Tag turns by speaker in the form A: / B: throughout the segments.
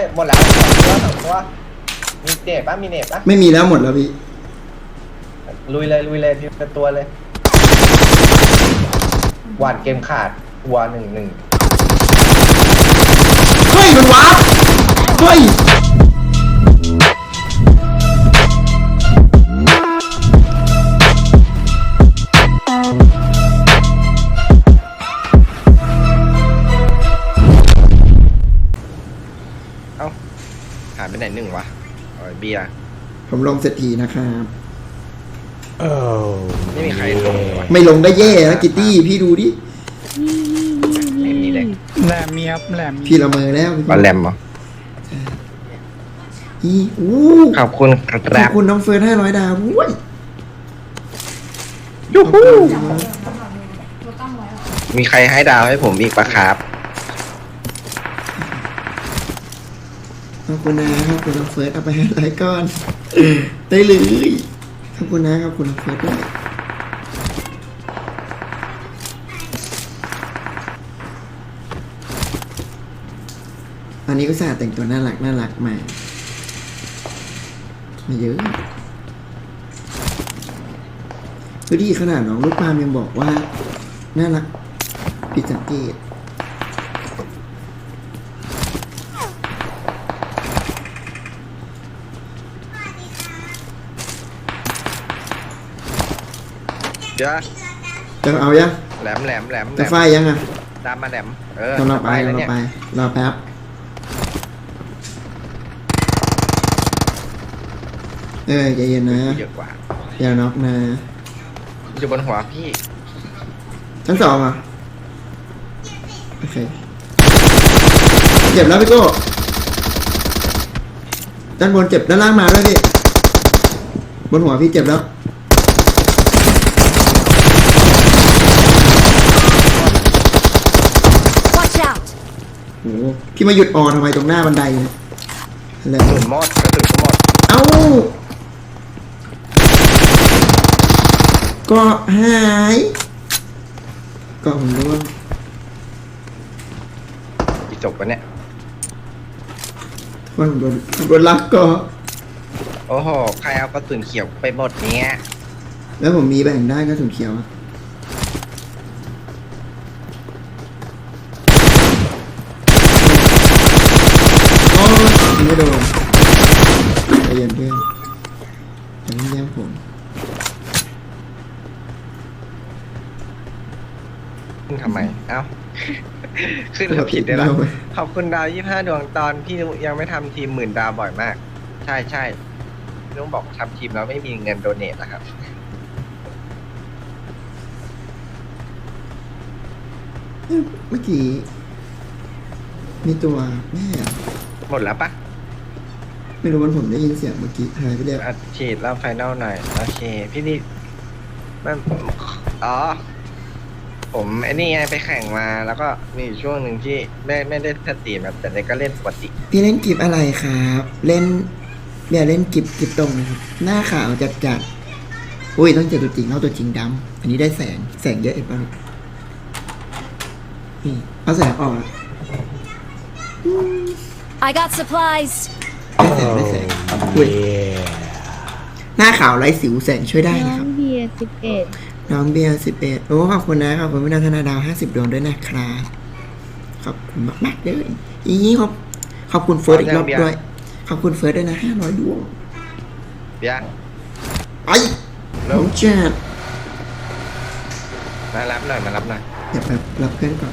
A: หมดแล้ว2 ตัวมีเน็ตปะมีเน็ตปะ
B: ไม่มีแล้วหมดแล้วพี่
A: ลุยเลยพี่เป็นตัวเลยหวานเกมขาดวัว1-1
B: เฮ้ยมันวาร์ปเฮ้ย
A: เอ้าหายไปไหน1วะเบียร์
B: ผมลงเสร็จทีนะครับ
A: ไม่มีใครลงเลยวะ
B: ไม่ลงก็แย่แล้วกิตตี้พี่ดูดิ
A: ไม่มีเลย
C: แหลมเมียบแหลม
B: พี่ละเมอแล้วพี่
A: บอลแรมเหรอ
B: อีอู้
A: ขอบคุณค
B: ขอ
A: รั
B: บบ คุณน้องเฟิร์น500 ดาวอุ้ย
A: ยูฮูมีใครให้ดาวให้ผมอีกปะครับ
B: ขอบคุณนะครับคุณน้องเฟิร์สเอาไป500ก้อนได้เลยขอบคุณนะครับคุณน้องเฟิร์สด้วยตอนนี้ก็สาแต่งตัวน่ารักมาเยอะดูดิขนาดน้องลูกปาล์มยังบอกว่าน่ารักผิดสังเกต
A: เดี๋ยว
B: จะเอายัง
A: แหลม
B: จะไฟยังอ่ะ
A: ตามมาแหลม
B: กำลังไป
A: แล้วเนี่ย
B: รอแป๊บใจเย็นนะ
A: เยอะกว่า
B: อย่าน็อกนะ
A: อยู่บนหัวพี่
B: ชั้น2อ่ะโอเคเจ็บแล้วพี่โก้ด้านบนเจ็บด้านล่างมาด้วยพี่บนหัวพี่เจ็บแล้ว
D: Watch out!
B: โอ้โหพี่มาหยุดออทำไมตรงหน้าบันไดเนี่ยอะไร
A: หมุนหมดกระสุนหมด
B: เอ้าก็หายก็ผมรู้ว่า
A: อีจบวะเนี่ย
B: คนโดนลักก็
A: โอ้โหใครเอากระสุนเขียวไปหมดเนี้ย
B: แล้วผมมีแบ่งได้ก็ถุงเขียวอะโอ้ยไม่โดนใจเย็นเพื่อนอย่าเพิ่งแย่งผม
A: ขึ้นทำไม เอ้า ขึ้นแล้วผิดได้ละขอบคุณดาว25 ดวงตอนพี่นุยังไม่ทำทีม10,000 ดาวบ่อยมาก ใช่พี่นุบอกทำทีมแล้วไม่มีเงินโดเนทนะครับ
B: เมื่อกี้มีตัวแม่อะ
A: หมดแล้วปะ
B: ไม่รู้มันผมได้ยินเสียงเมื่อกี้หายไปแล้ว
A: อัดฉีดแล้วไฟนอลหน่อย โอเค พี่นี่มันอ๋อ ผมไอ้นี่ไงไปแข่งมาแล้วก็มีอยู่ช่วงหนึ่งที่ไม่ได้สตรีมแบบแต่ก็เล่นปกติ
B: พี่เล่นกิฟอะไรครับเล่นเดี๋ยวเล่นกิฟตรงนะครับหน้าขาวจัดอุ้ยต้องเจอตัวจริงเอาตัวจริงดำอันนี้ได้แสงเยอะเอ็ดบ้างนี่เอาแสงออกอะ
D: I got supplies.
B: ได้แสงอุ้ยหน้าขาวไร้สิวแสงช่วยได้
E: น้
B: นะ
E: อ
B: ครั
E: ง
B: บ
E: เบียร์11
B: น้องเบียร์11โอ้ขอบคุณนะครับขอบคุณพี่นันทนาดาว50 ดวงด้วยนะครับขอบคุณมากๆเลยอีนี้ขอบคุณเฟิร์สอีกรอบด้วยขอบคุณเฟิร์สด้วยนะ500 ดวง
A: เบียร์
B: ไอ้ผมจัด
A: มารับหน่อยมารับหน่อย
B: เดี๋ยวแบบรับเพื่อนก่อน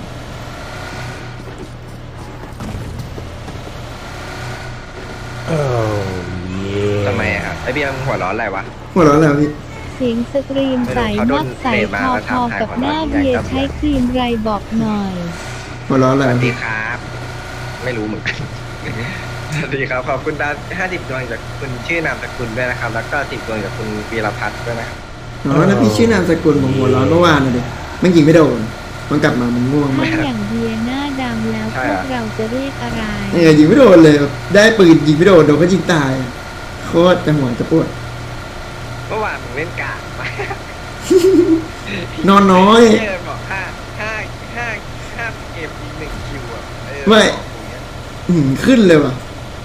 A: ทำไมอะครับไอเบียร์มึงหัวร้อนอะไรวะ
B: หัวเราะแล้วพี่
E: เสียงสตรีมใสมากใสพอๆกับหน้าเบียร์ใช้ครีมไรบอกหน่อย
B: หัวเราะ
A: ส
B: แล้ว
A: วัสดีครับ ไม่รู้เหมือนกัน สวัสดีครับขอบคุณดาว50 ดวงจากคุณชื่อนามสกุลด้วยนะครับ แล้วก็10 ดวงจากคุณวีรพัฒน์ด้วยนะครับ
B: อ๋อแล้วพี่ชื่อนามสกุลผมหัวเราะเมื่อวานนะดิมันยิงไม่โดนมันกลับมามันง่วง
E: ถ้าม
B: าก
E: อย่างเบียร์หน้าดำแล้วพวกเราจะเรียกอะไร
B: ยิงไม่โดนเลยแบบได้ปืนยิงไม่โดนก็ยิงตายโคตรจะหัวจะปวด
A: เมื่อวานมึงเล่นกากมาก
B: นอนน้อย
A: เยบอก5 เกมยิง1 คิวอ่ะ
B: ไม่ ขึ้นเลยว่ะ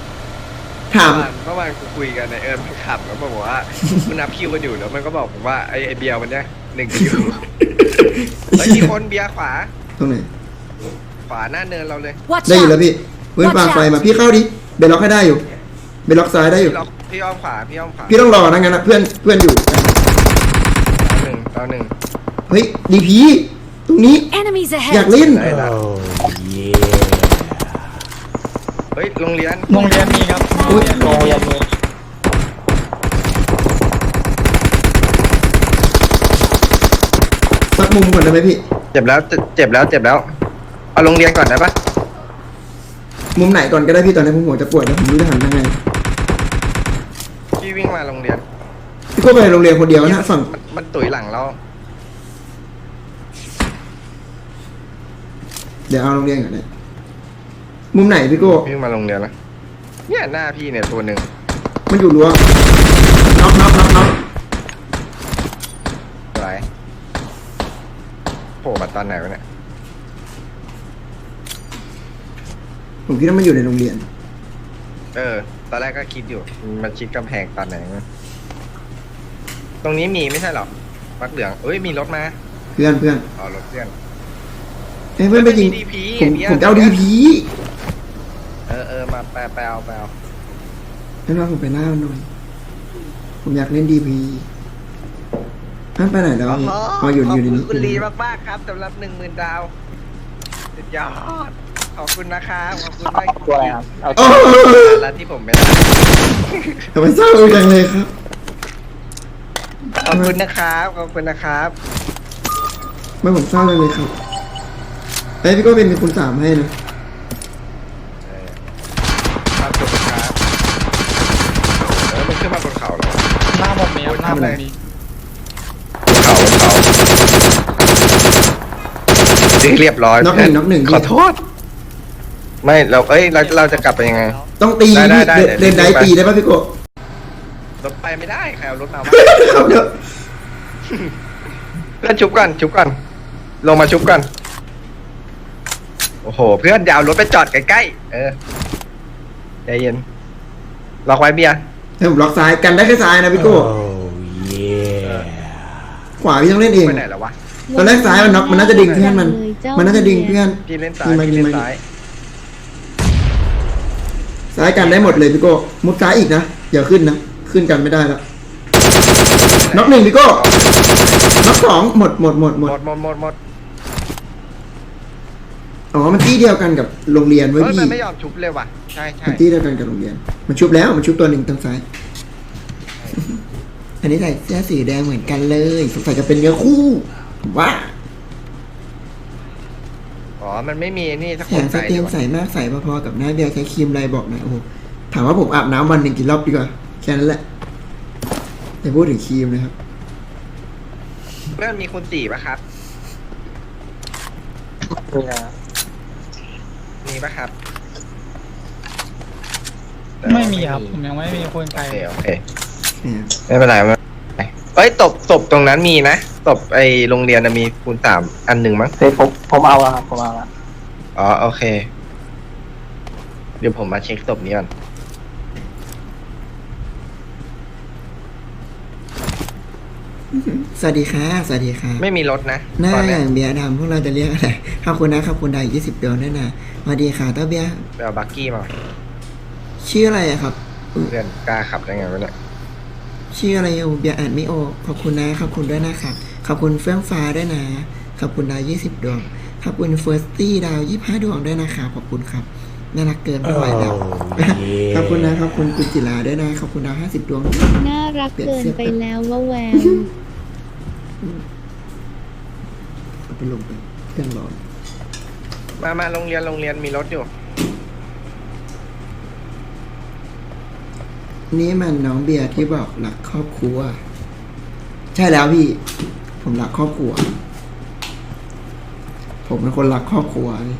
B: ถาม
A: เมื่อวานกูคุยกันในมันขับแล้วบอกว่ามันนับคิวกันอยู่แล้วมันก็บอกผมว่าไอ้เบียร์มันเนี่ย1 คิวเฮ้ยมีคนเบียร์ขวา
B: ตรงไหน
A: ขวาหน้าเนินเราเลย
D: Watch
B: ได้อยู่แล้ว
D: out!
B: พี่เพื่อนปาไฟมาพี่เข้าดิเบลล็อกให้ได้อยู่เบลล็อกซ้ายได้อยู่
A: พี่อ้อมขวาพี่อ้อมขวา
B: พี่ต้องรอนะงั้นนะเพื่อนอยู่
A: ต่อหนึ่ง
B: เฮ้ยดีพีตรงนี้
D: Enemies
B: อยาก
D: ahead!
B: เล่น
A: ได้ละเฮ้ยโรงเรียน
C: โรงเรียนมีครับ
B: อุ๊ย
C: โรงเรียนมี
B: สักมุมก่อนได้ไหมพี่
A: เจ็บแล้วเอาโรงเรียนก่อนได้ปะ
B: มุมไหนก่อนก็ได้พี่ตอนนี้ผมหัวจะปวดแล้วผมไม่รู้จะหันยังไง
A: พี่วิ่งมาโรงเรียน
B: พี่ก็ไปโรงเรียนคนเดียวนะฝั่ง
A: มันตุ๋ยหลังเรา
B: เดี๋ยวเอาโรงเรียนก่อนนะมุมไหนพี่โก้
A: วิ่งมาโรงเรียนแล้วเนี่ยหน้าพี่เนี่ยตัวหนึ่ง
B: มันอยู่รั้วน็อก
A: ไหลโผล่มาตอนไหนวะเนี่ย
B: ผมคิดว่ามันอยู่ในโรงเรียน
A: ตอนแรกก็คิดอยู่มันชิดกำแพงตอนไหนวะตรงนี้มีไม่ใช่หรอมักเหลืองเอ้ยมีรถมา
B: เพื่อน
A: อ๋อรถเพื่อน
B: เอ้ยเพื่อนไปยิง
A: มี DP
B: ผมจะเอาดีพี
A: มาไปเอา
B: ให้น้องผมไปล่ามันหน่อยผมอยากเล่นดีพีท่านไปไหนแล้วอ๋ออยู่ในนี้
A: ขอบคุณลีมากๆครับสำหรับ 10,000 ดาวสุดยอดขอบคุณนะครับขอบคุณมาก
C: ตัวอะไรครับเอา
B: โอ้
A: แล้วที่ผมไม่ได้
B: ทำไมเศร้าจังเลยครับ
A: ขอบคุณนะครับ
B: ไม่ผมเศร้าจังเลยครับเอ้ยพี่ก็เป็นมีคุณสามให้นะ
A: ครับขอบคุณครับมันขึ้นมาบนเขาแล้ว
C: หน้าผมมีครับหน้าผมมี
A: เขาเรียบร้อย
B: น็อกหนึ่ง
A: ขอโทษ ไม่เราจะกลับไปยังไง
B: ต้องตี
A: ได้
B: เดินได้
A: ไป
B: ตีได้ป่ะพี่โก
A: รถไปไม่ได้ใครเอารถมาวะ
B: เอาเดี๋ยว
A: เพื่อนชุบก่อนลงมาชุบก่อนโอ้โห เพื่อนยาวรถไปจอดใกล้ๆใจเย็นล็อกไว้เบียร์
B: ให้ผมล็อกซ้ายกันได้แค่ซ้ายนะพี่โกขวาพี่ต้องเล่นเอง
A: ไปไหนแล้ววะ
B: ตอนแรกซ้ายมันน็อกมันน่าจะดึงเพื่อนมันน่าจะดึงเพื่อน
A: พี่เล่นซ้ายพี่เล่นซ้าย
B: ซ้ายกันได้หมดเลยพี่โก้มุดซ้ายอีกนะอย่าขึ้นนะขึ้นกันไม่ได้แล้วน็อกหนึ่งพี่โก้น็อกสองหมด
A: หมด
B: อ๋อมันที่เดียวกันกับโรงเรียนไว้ย
A: เฮ้ย
B: พี่
A: มันไม่ยอมชุบเลยว่ะใช่
B: มันที่เดียวกันกับโรงเรียนมันชุบแล้วมันชุบตัวหนึ่งทางซ้าย อันนี้ใส่เสื้อสีแดงเหมือนกันเลยสงสัยจะเป็นเนื้อคู่ว่า
A: อ๋อมันไม่มีนี่สัก
B: แส
A: คน
B: งส
A: ใส่
B: เตียงใสมากใสพอๆกับหน้าเบียร์ใช้ครีมอะไรบอกหน่อยโอ้โหถามว่าผมอาบน้ำวันหนึ่งกี่รอบดีกว่าแค่นั้นแหละแต่พูดถึงครีมนะครับ
A: เพื่อนมีคุณ4ป่ะครับ
C: มีนะ
A: มีป่ะครับ
C: ไม่มีครับผมยังไม่มีคนไกล
A: โอเคไม่เป็นไรเอ้ยตบตรงนั้นมีนะตบไอโรงเรียนมีคูณ3อันหนึ่งมั้ง
C: เฮ้ยผมเอาแล้วครับผมเอาแล้ว
A: อ๋อโอเค เดี๋ยวผมมาเช็คตบนี้ก่อน
B: สวัสดีค่ะสวัสดีค่ะ
A: ไม่มีรถนะ
B: หน้า
A: ตอน
B: อ
A: เนี้ย
B: ย่างเบียร์ดำพวกเราจะเรียกอะไรขอบคุณนะขอบคุณดาว20ดวงด้วยนะสวัสดีค่ะเต้าเบียร์
A: ไปเอาบักกี้มา
B: ชื่ออะไรอะครับ
A: เพื่อนกล้าขับได้ไงวะเนี่ย
B: ชื่ออะไรอยู่เบียร์อ่านไม่ออกขอบคุณนะขอบคุณด้วยนะครับขอบคุณเฟื่องฟ้าด้วยนะขอบคุณดาว20ดวงขอบคุณเฟิร์สตี้ดาว25ดวงด้วยนะคะขอบคุณครับน่ารักเกินไม่ไหวแล้วขอบคุณนะขอบคุณกุจิลาด้วยนะขอบคุณดาว50ดวง
E: น่ารักเกินไปแล้วว่าแวว
B: เอาไปลงไปเครื่องร้อน
A: มาโรงเรียนมีรถอยู่
B: นี่มันน้องเบียร์ที่บอกรักครอบครัว ใช่แล้วพี่ ผมรักครอบครัว ผมเป็นคนรักครอบครัวเลย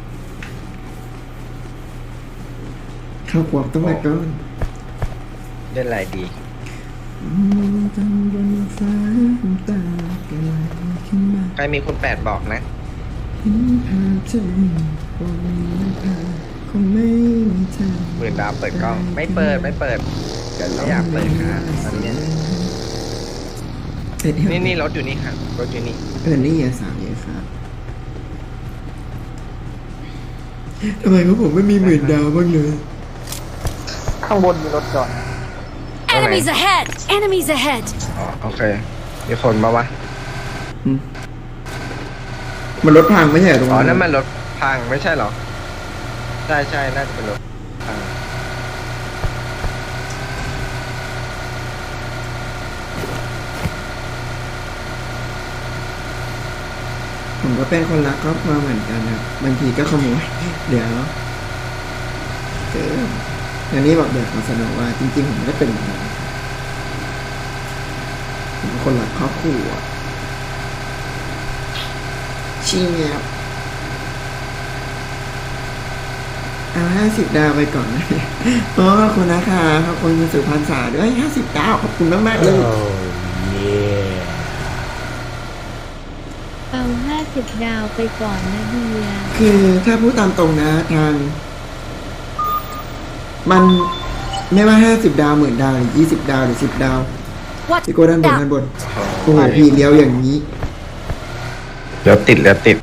B: ครอบครัวต้องไปก่อน
A: เล่นอะไรดี
B: จังบนฟ้าตาไกลขึ้นมา
A: ใครมีคุณ8บอกนะ
B: เห็นภาพเธอบนหน้าผาคงไม่มีทาง
A: หมื่นดาวเปิดกล้องไม่เปิดไม่อยากเปิดครับตอนเนี้ย นี่รถอยู่นี่ครับรถอยู่นี่
B: นี่อย่าสามอย่าครับทำไมพวกผมไม่มีหมื่นดาวบ้างเลย
C: ข้างบนมีรถจอด
D: Enemies ahead! Enemies ahead!
A: อ๋อโอเคมีคนมาวะ
B: มันรถพังไม่ใช่เหรอตรง
A: อ๋อ
B: นั้น
A: นั่นมันรถพังไม่ใช่เหรอใช่น่าจะเป็นรถพัง
B: ผมก็เป็นคนรักครอบครัวเหมือนกันครับบางทีก็ขโมยเดี๋ยวอย่างนี้บอกเดี๋ยวขอเสนอว่าจริงๆผมไม่ได้เป็นแบบนั้นผมเป็นคนรักครอบครัวชี้เงียบเอา50 ดาวไปก่อนนะขอบคุณนะคะขอบคุณคุณสุพรรณษาด้วย50 ดาวขอบคุณมากๆเลย
E: เอา 50 ดาวไปก่อนนะเบียร์
B: คือถ้าพูดตามตรงนะทาง มันไม่ว่า50 ดาว10,000 ดาวหรือ20 ดาวหรือ10 ดาว
D: Watch
B: พี่โก้ด้านบน
D: out!
B: ด้านบนโอ้โหพี่เลี้ยวอย่างนี้
A: เดี๋ยวติด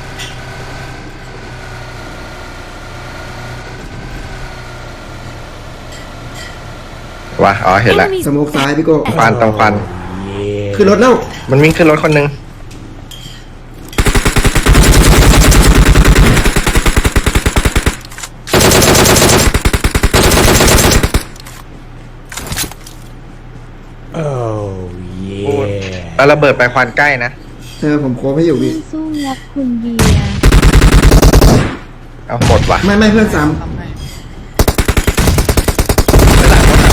A: วะอ๋อเห็นแล้ว
D: Enemies
B: สโมกซ้ายพี่โก้
A: ควันตรงควัน
B: คือรถแล้ว
A: มันวิ่งขึ้นรถคนหนึงพูดแล้วระเบิดไปควันใกล้นะ
B: ผมโค้งให้อยู่พี่
E: สู้งับคุณเบียร์
A: เอาหมดว่ะ
B: ไม่เพื่อนซ้
C: ทำให้
A: หลังรถ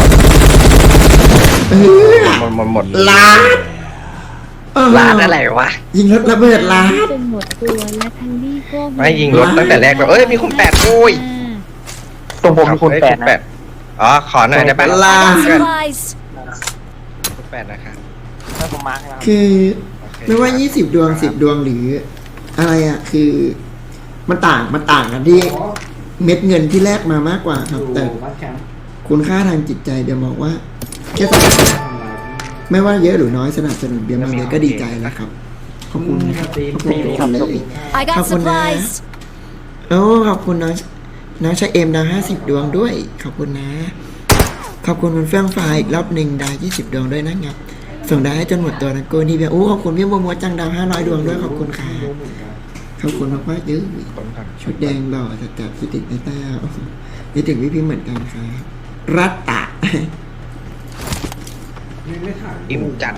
B: ำเออ
A: หมด
B: ลาดเ
A: ร้านอะไรวะ
B: ยิงรถระเบิดลาด
E: จนหมดตัวและทันดี้ก็
A: ไม่ยิงรถตั้งแต่แรกเลยเอ้ยมีคุณแปดโอ้ย
C: ตรงผมมีคนแปด
A: ณ
C: นะ
A: อ๋อขอหน่อยได้ปะ
B: ลา
D: I got supplies!
A: คุณแปดนะครับ
C: ให้ผมมาร์คให้ครับ
B: คือ
A: โอเค
B: ไม่ว่า20 ดวง10 ดวงหรือ อะไรอ่ะ คือ มันต่างกันที่เม็ดเงินที่แลกมามากกว่าครับ แต่คุณค่าทางจิตใจเดี๋ยวบอกว่าแค่ไม่ว่าเยอะหรือน้อยสนับสนุนเบียร์มาเลยก็ดีใจแล้วครับ ขอบคุณครับขอบคุณทุกคนเลย
D: I got
B: Couple
D: supplies!
B: โอ้ขอบคุณน้องชายเอ็มดาว50 ดวงด้วย ขอบคุณนะ ขอบคุณคุณเฟื่องฟ้าอีกรอบหนึ่งดาว20 ดวงด้วยนะครับส่งดาวให้จนหมดตัวนะโกนี่เบียร์โอ้ขอบคุณพี่โมโมจังดาว500 ดวงด้วยขอบคุณค่ะขอบคุณมากๆเยอะ
A: คนก่อน
B: ชุดแดงหล่อจัดคิดถึงไอ้แต้วคิดถึงพี่พิมพ์เหมือนกันครับรัตตะ
A: อิ่มจัด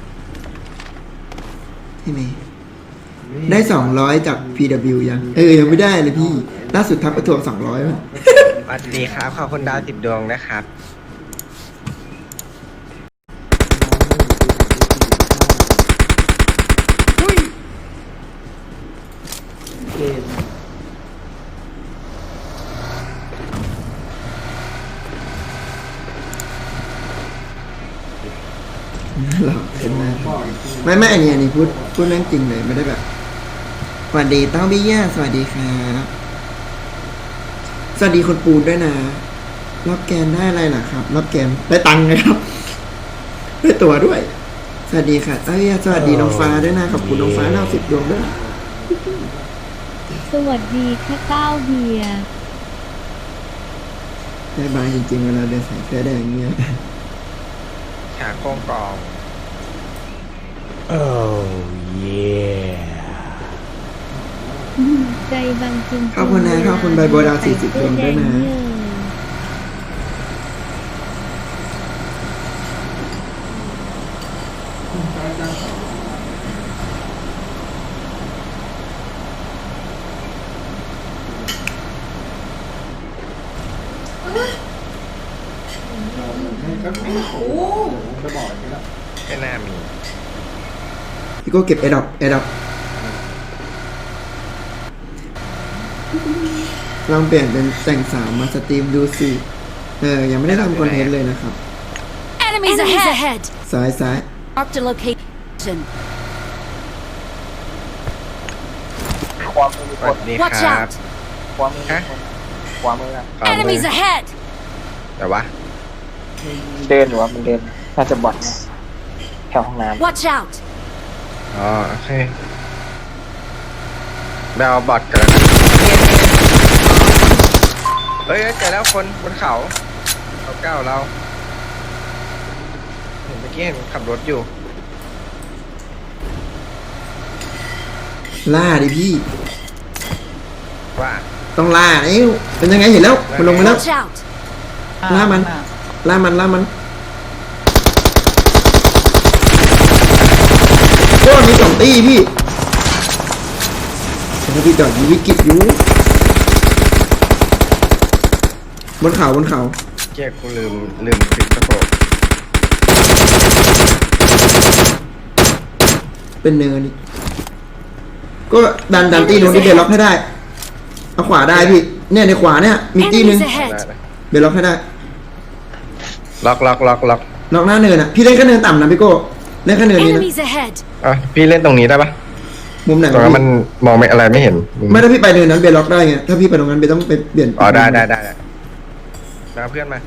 B: ใช่ไหมได้200จาก PW ยังยังไม่ได้เลยพี่ล่าสุดทักประทวง200มั้ง
A: สวัสดีครับขอบคุณดาว10 ดวงนะครับ
B: หล่อขึ้นมากไม่อันนี้พูดเรื่องจริงเลยไม่ได้แบบสวัสดีเต้าบี้ย่าสวัสดีครับสวัสดีคนปูนด้วยนะรอบแกนได้อะไรล่ะครับรอบแกนได้ตังค์นะครับได้ตั๋วด้วย สวัสดีค่ะเต้าบี้ย่าสวัสดีน้องฟ้าด้วยนะขอบคุณน้องฟ้า10 ดวงด้วย
E: สวัสดีค่ะเต้าเบียร์
B: ได้บายจริงๆเวลาเดินใส่เสื้อแดงเงี้ย
A: ขาโค้งกอง
E: ใจบางจริงๆ
B: ขอบคุณนะขอบคุณใบโบดาว40 ดวงด้วยนะ
A: ไม่น่ามี
B: พี่โก้เก็บแอร์ดรอปลองเปลี่ยนเป็นแต่งสาวมาสตรีมดูสิยังไม่ได้ทำคอนเทนต์เลยนะครับ
D: Enemies ahead!
B: ซ้าย
D: Marked a location.
C: ความมี
A: ส
C: ค
A: วัน สดีค
D: Watch
A: รับ
D: out!
C: ความมี
A: ฮะ
C: คนขวามืออะ
A: ขวามือ
D: Enemies ahead!
A: แต่ว่า
C: เดินอยู่ว่ามันเดินน่าจะบอดนะแถวห้องน้
D: Watch out!
A: อ๋อโอเคไปเอาบอทกันแล้วกันเฮ้ยเจอแล้วคนบนเขาเก้าเราเห็นเมื่อกี้เห็นขับรถอยู่
B: ล่าดิพี่
A: ว่า
B: ต้องล่าเอ้ยเป็นยังไงเห็นแล้วมันลงมาแล้ว
D: Watch out!
B: ล่ามันล่ามันล่ามันโอ้มี2 ตีพี่แต่พี่จอดอยู่วิกฤตอยู่บนเขาบนเขา
A: เจ๊กูลืมปิดกระโปรง
B: เป็นเนินนี่ก็ดันตีนู้นที่เบลล็อกให้ได้เอาขวาได้พี่เนี่ยในขวาเนี่ยมีตีนึง
D: Enemies
A: ได้
D: ahead!
A: นะ
B: เบลล็อกให้ได้
A: ล็อก
B: ล็อกหน้าเนินอ่ะพี่เล่นแค่เนินต่ำนะพี่โก้เล่นแค่เนินนี้นะ
D: Enemies ahead!
A: อ่ะพี่เล่นตรงนี้ได้ปะ
B: มุมไหน
A: ตรงนั้นมันมองไม่อะไรไม่เห็น
B: ไม่ถ้าพี่ไปเนินนั้นเบลล็อกได้ไงถ้าพี่ไปตรงนั้นเบลต้องไปเปลี่ยน
A: อ๋อได้มาเพื่อนมา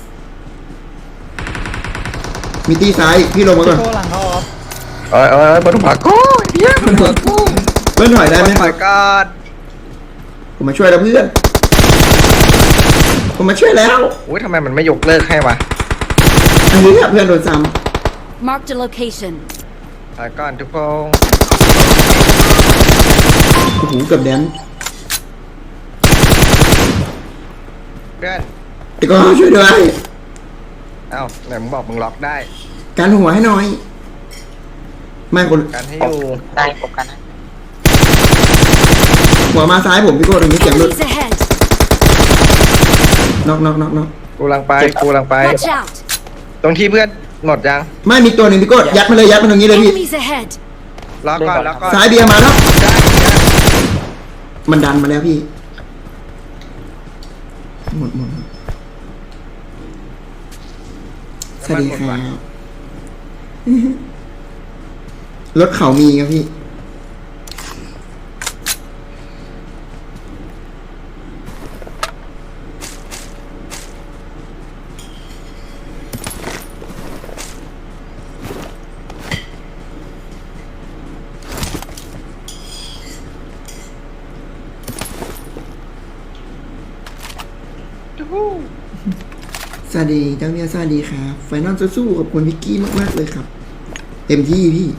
B: มีตีซ้ายพี่ลงมาก่อน
C: ำโชว์หลังเขาออฟ
A: เอ้ยบนหัวกูเฮียบนหัวกู
B: เพื่อนถอยได้ไหม
A: ถอยก่อน
B: ผมมาช่วยแล้วเพื่อนผมมาช่วยแล้ว
A: อุ้ยทำไมมันไม่ยกเลิกให้วะ
B: อันนี้เพื่อนโดนซ้
D: Marked a location.
A: ถอยก่อนทุกคน
B: ำโอ้โหเกือบแดน
A: เพื่อน
B: แต่ก็ช่วยด้วย
A: เอ้าไหนมึงบอกมึงล็อกได้
B: การหัวให้หน่อยไม่คน
A: กันให้อยู่
C: ได้ปกกันนะ
B: หัวมาซ้ายผมพี่โก้ตรงนี้เสียงหลุด
D: Enemies ahead!
B: น็อก
A: กูลังไป
D: Watch out!
A: ตรงที่เพื่อนหมดยัง
B: ไม่มีตัวหนึ่งพี่โก้ยัดมาเลยยัดมาตรงนี้เลยพี่
D: Enemies ahead!
A: ล็อกก่อนล็อกก่อน
B: ซ้ายเบียร์มาแล้ว
A: ได้
B: มันดันมาแล้วพี่หมดสวัสดีครับรถเขามีครับพี่สวัสดีเจ้าเมียสวัสดีครับไฟนอลสู้ๆขอบคุณพิกกี้มากๆเลยครับเต็มที่พี่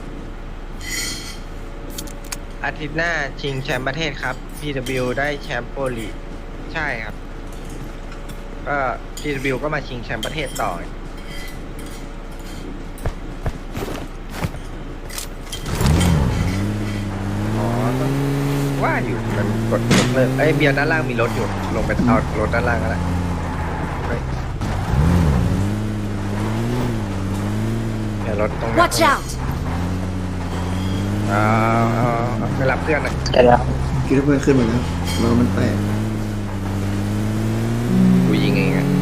A: อาทิตย์หน้าชิงแชมป์ประเทศครับ PW ได้แชมป์โปรลีกใช่ครับ ก็ PW ก็มาชิงแชมป์ประเทศต่อ อ๋อต้องว่าอยู่มันกดยกเลิกเอ้ยเบียร์ด้านล่างมีรถอยู่ ลงไปเอารถด้านล่างก็ได้เฮ้ยเดี๋ยวรถตรงนี้
D: Watch out!
A: เอาไปรับเพื่อนหน่อย
C: เดี๋ยว
B: คิดว่าเพื่อนขึ้นมาแล้วเรามันแตก
A: กูยิงเองอะ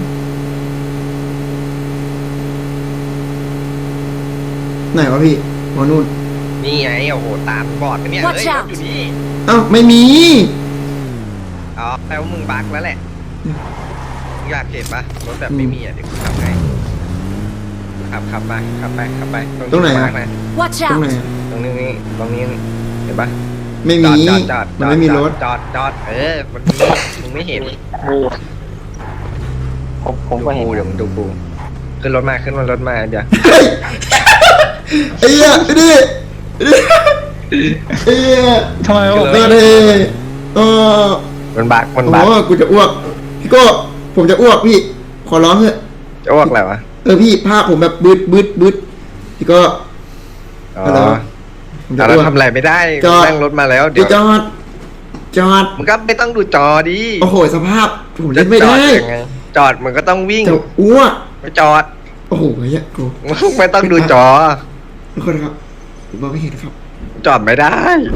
B: ไหนวะพี่หมอนู่น
A: นี่ไงโอ้โหตามบอดไปเนี่ย
D: Watch
A: เอ้ยร
D: out
A: ถอยู่นี่
B: เอ้าไม่มี
A: อ๋อแปลว่ามึงบักแล้วแหละมึงอยากเห็นปะรถแบบไม่มีอ่ะเดี๋ยวกูขับให้ขับไปตรงที่มาร์คนะ
D: Watch
B: ตรงไหน
D: out!
B: อะ
A: ตรงนี้เห็นปะ
B: ไม่มี
A: จอด
B: มันไม่มีรถ
A: จอดมันมีมึงไม่เห็น
C: มีผมก็เห็น
A: เดี๋ยวมึงดูกูขึ้นรถมาเดี๋ยว
B: เฮ้ยไอ้เหี้ยไอ้ดิไอ้เหี้ย
C: ทำไม
B: เออดิเออ
A: มันบัก
B: โอ้กูจะอ้วกพี่โก้ผมจะอ้วกพี่ขอร้องเถอะ
A: จะอ้วกอะไรวะ
B: พี่ภาพผมแบบบึดพี่โก้
A: อ๋อ
B: อะไรวะผมจะ
A: เรา
B: อ้วก
A: ทำอะไรไม่ได้
B: จอด
A: นั่งรถมาแล้ว
B: ไป
A: เดี๋ยว
B: จอด
A: มึงก็ไม่ต้องดูจอดิ
B: โอ้โหสภาพผมเล่นไม่ได้
A: จอยังไงจอดมันก็ต้องวิ่ง
B: จะอ้วก
A: ไม่จอด
B: โอ้โหเฮ้ยกู
A: ไม่ต้องดูจอ
B: ทุกคนครับผมมองไม่เห็นครับ
A: จอดไม่ได้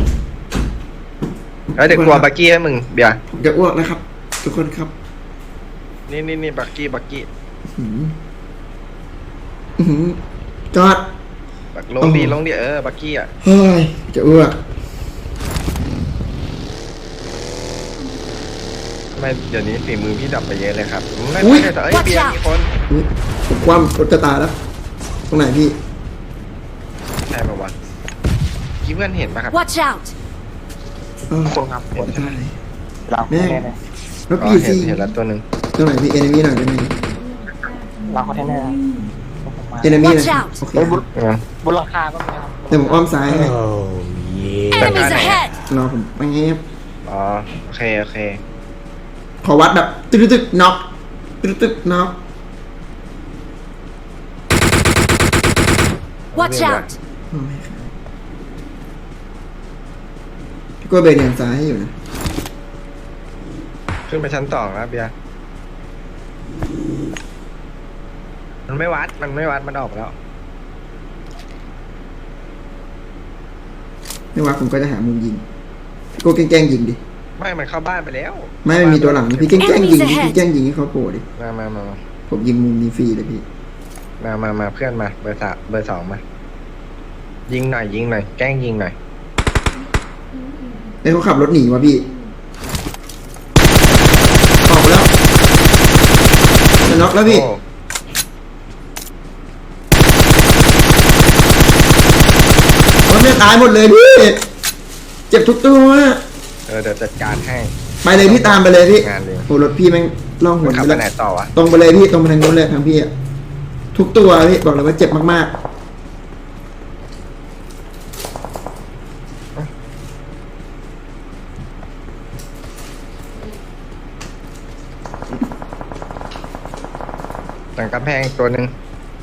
A: แล้วเดี๋ยวกลัวบักกี้ให้มึงเบียร์
B: ผมจะอ้วกนะครับ ทุกคนครับ
A: นี่บักกี้
B: อื้อหือจอด
A: บักลงดีบักกี้อ่ะ
B: เฮ้ยจะอ้วก
A: ไม่เดี๋ยวนี้ฝีมือพี่ดับไปเยอะเลยครับไม่
B: อุ๊ย
A: ใช่แต่เอ้ย
D: Watch
A: เบียร์
D: out
A: มีคน
B: อุ๊ยผมคว่ำรถจะตายแล้ว ตรงไหนพี่
A: ใช่ป่าวะคิดเพื่อนเห็นปะครับ
D: Watch out!
B: เออ
C: คนครับคน
B: ตาย
C: เรา
B: แม่
C: แน่เลย
B: แล้ว
A: อ๋อ
B: พี่
A: เห็
B: ซี
A: นเห็นแล้วตัวหนึ่ง
B: ตรงไหนพี่เอเนมีหน่อยได้ไหม
C: เราคอนเทนเนอร์ผมมา
B: เอเนมีหน่อย
D: Watch out
B: โอเค
C: เฮ้ยบน
A: เออบ
C: นหลังคาก็มีครับ
B: เดี๋ยวผมอ้อมซ้ายให้
D: Enemies ahead!
B: รอผมแป๊บ
A: อ๋อโอเคโอเค
B: ขอวัดแบบตึกน็อกตึกน็อก
D: Watch out!
B: โอ้ยครับพี่กล้วยเบนอย่างซ้ายให้อยู่นะ
A: ขึ้นไปชั้น2แล้วเบียร์มันไม่วัดมันออกแล้ว
B: ไม่ว่าผมก็จะหามุมยิงพี่โก้แกล้งยิงดิ
A: ไม่มันเข้าบ้านไปแล้ว
B: ไม่มีตัวหลังพี่แกล้งยิงดิพี่แกล้งยิงให้เขาโผล่ดิ
A: มา
B: ผมยิงมุมนี้ฟรีเลยพี่
A: มาเพื่อนมาเบอร์สองมายิงหน่อยแกล้งยิงหน่อย
B: ไอ้เขาขับรถหนีวะพี่ออกไปแล้วจะน็อกแล้วพี่
A: โอ้
B: รถเนี่ยตายหมดเลยพี่เจ็บทุกตัว
A: เดี๋ยวจัดการให้
B: ไปเลยพี่ตามไปเลยพี่
A: งานเลย
B: โอ้รถพี่แม่งล่องห
A: มัน
B: น
A: ขับ
B: ไป
A: ไป
B: แล้ว
A: ไหนต่อวะ
B: ตรงไปเลยพี่ตรงไปทางนู้นเลยทางพี่อะทุกตัวพี่บอกเลยว่าเจ็บมากๆ
A: หลังกำแพงอีกตัวหนึ่ง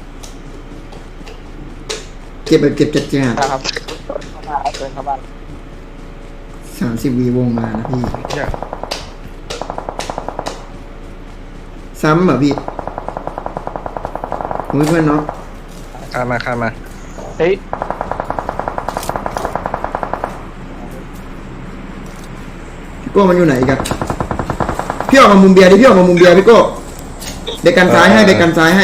B: เก็บแบบเก็บจัดจ้า
C: ครับเข้ามาเดินเข้าบ้าน
B: 30 วีวงมานะพี่
A: เนี่ย
B: ซ้ำเหรอพี่ผมเพื่อนเนาะ
A: ข้ามมา
C: เฮ้ย
B: พี่โก้มันอยู่ไหนอีกันพี่ออกมามุมเบียร์ดิพี่ออกมามุมเบียร์พี่โก้เด็กกันซ้ายให้เด็กกันซ้ายให้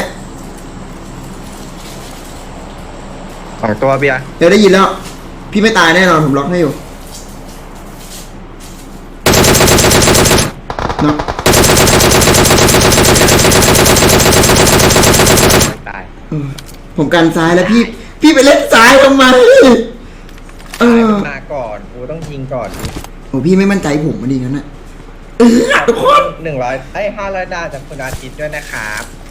A: 2 ตัวเบียร์
B: เดี๋ยวได้ยินแล้ว พี่ไม่ตายแน่นอนผมล็อกให้อยู่เนาะ
A: ไม่ตาย
B: ผมกันซ้ายแล้วพี่ไปเล่นซ้ายทำไมเออ
A: มาก่อนกูต้องยิงก่อน
B: โอ้พี่ไม่มั่นใจผมมาดีงั้นนะทุกคน
A: 500 ดาวจากคุณอาทิตย์ด้วยนะครับ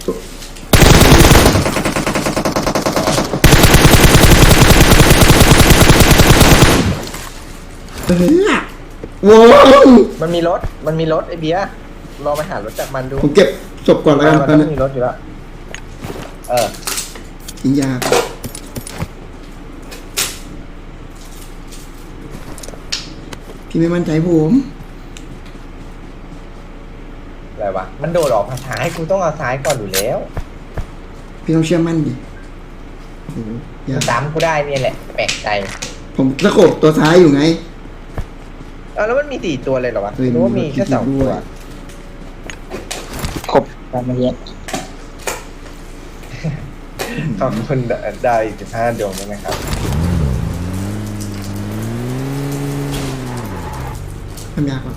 B: วง
A: มันมีรถไอ้เบียร์ลองไปหารถจากมันดู
B: ผมเก็บศพก่อนแล้วกัน
A: มัน
B: ตอน
A: ต้
B: นี้
A: องมีรถอยู่แล้ว
B: ทิ้งยาพี่ไม่มั่นใจผม
A: อะไรวะมันโดดออกมาซ้ายกูต้องเอาซ้ายก่อนอยู่แล้ว
B: พี่ต้องเชื่อมั่นดิโอ้โหยาก
A: ตามกูได้เนี่ยแหละแปลกใจ
B: ผมตะโขบตัวซ้ายอยู่ไง
A: แล้วมันมี4 ตัวเลยเหรอวะ
B: เฮ้ย
A: หรือว่ามีแค่2 ตัว
B: ด้วย
C: ครบการมาเยอะ
A: ขอบคุณดาวอีก15 ดวงด้วยนะครับ
B: ทำยากกว่า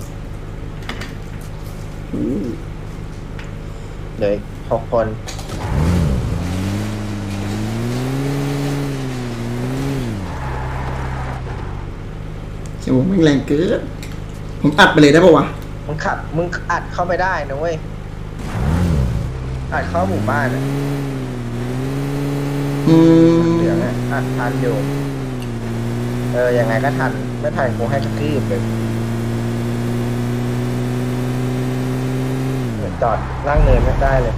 B: โอ้โห
A: เหลย6 คน
B: เสียงผมแม่งแรงเกินผมอัดไปเลยได้ปะวะ
A: มึงอัดเข้าไม่ได้นะเว้ยอัดเข้าหมู่บ้านอะ
B: อืม
A: เหลืองอะอัดทันอยู่ยังไงก็ทันไม่ทันกูให้กระทืบเลยเหมือนจอดล่างเนินไม่ได้เลย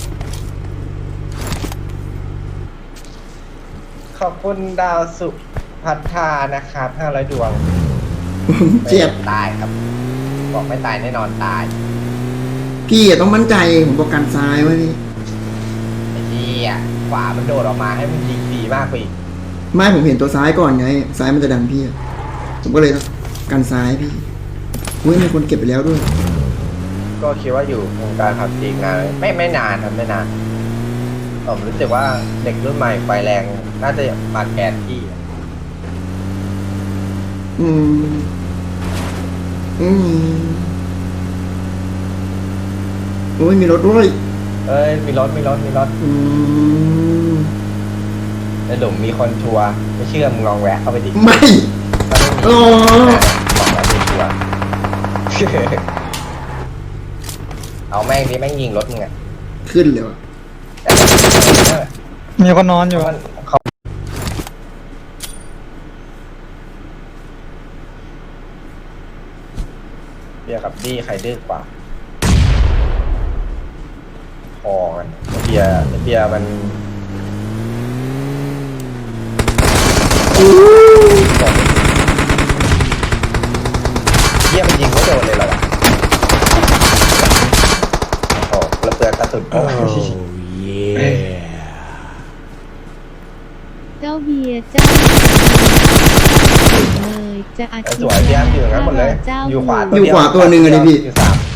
A: ขอบคุณดาวสุพัฒนานะครับ500 ดวง
B: เจ็บ
A: ตายครับ บอกไม่ตายแน่นอนตาย
B: พี่อะต้องมั่นใจผมบอกกันซ้ายไว้พี่
A: ไอ้ที่ขวามันโดดออกมาให้มันยิงดีมากไปอีก
B: ไม่ผมเห็นตัวซ้ายก่อนไง ซ้ายมันจะดันพี่อะผมก็เลยต้องกันซ้ายพี่อุ้ยมีคนเก็บไปแล้วด้วย
A: ก็คิดว่าอยู่วงการขับจริงนานไม่นานครับไม่นานผมรู้สึกว่าเด็กรุ่นใหม่ไฟแรงน่าจะมาแกนที่
B: อืมอืมโอ้ยมีรถด้วย
A: เอ้ยมีรถ
B: อืม
A: ในหลุมมีคนชัวร์ไม่เชื่อมึงลองแวะเข้าไปดิ
B: ไม่
A: ถ้าไม่มี
B: อ๋อ
A: บอกแล้วมีชัวร์ เอาแม่งดิแม่งยิงรถมึงอะ
B: ขึ้นเลยว่ะ
F: มีคนนอนอยู่
A: เขาเบียร์กับดี้ใครดื้อกว่าพอกันเบียร์มัน เยี่ยมนยิงไม่โดนเลยเหรอวะโอ้ระเบิดกระสุนโอ้
D: Oh yeah.
E: เจ้าเบียร์เจ้าเลยจะอา
A: ส
E: ชีพ
A: วยพี่อ้ํอยู่งั้นหมดเลย
E: เจ้า
A: อยู่ขวา
B: อยู่ขวาตัวหนึ่งอะดิพี่
A: อยู่สาม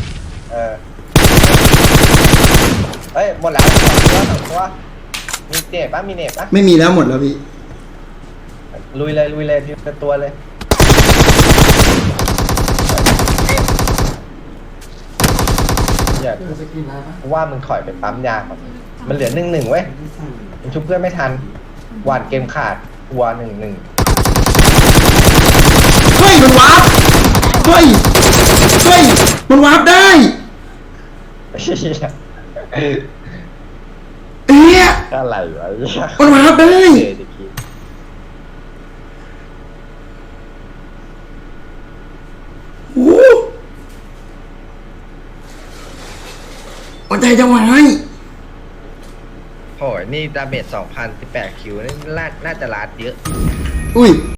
A: เฮ้ยหมดแล้วสองตัวมีเน็ตปะมีเน็ตปะ
B: ไม่มีแล้วหมดแล้วพี่
A: ลุยเลยทีละตัวเลยอยากว่ามึงถอยไปปั๊มยาก่อนมันเหลือ1-1เว้ยมันชุบเพื่อนไม่ทันหวานเกมขาดวัว1-1
B: เฮ้ยมันวาร์ปเฮ้ยมันวาร์ปได้เอ๊ะ
A: อะไรวะ
B: มันวาร์ปได้โอ้โหหัวใจจะวาย
A: โหนี่ดาเมจ 2,018 คิวนี่น่าจะลาดเยอะ
B: อุ้ย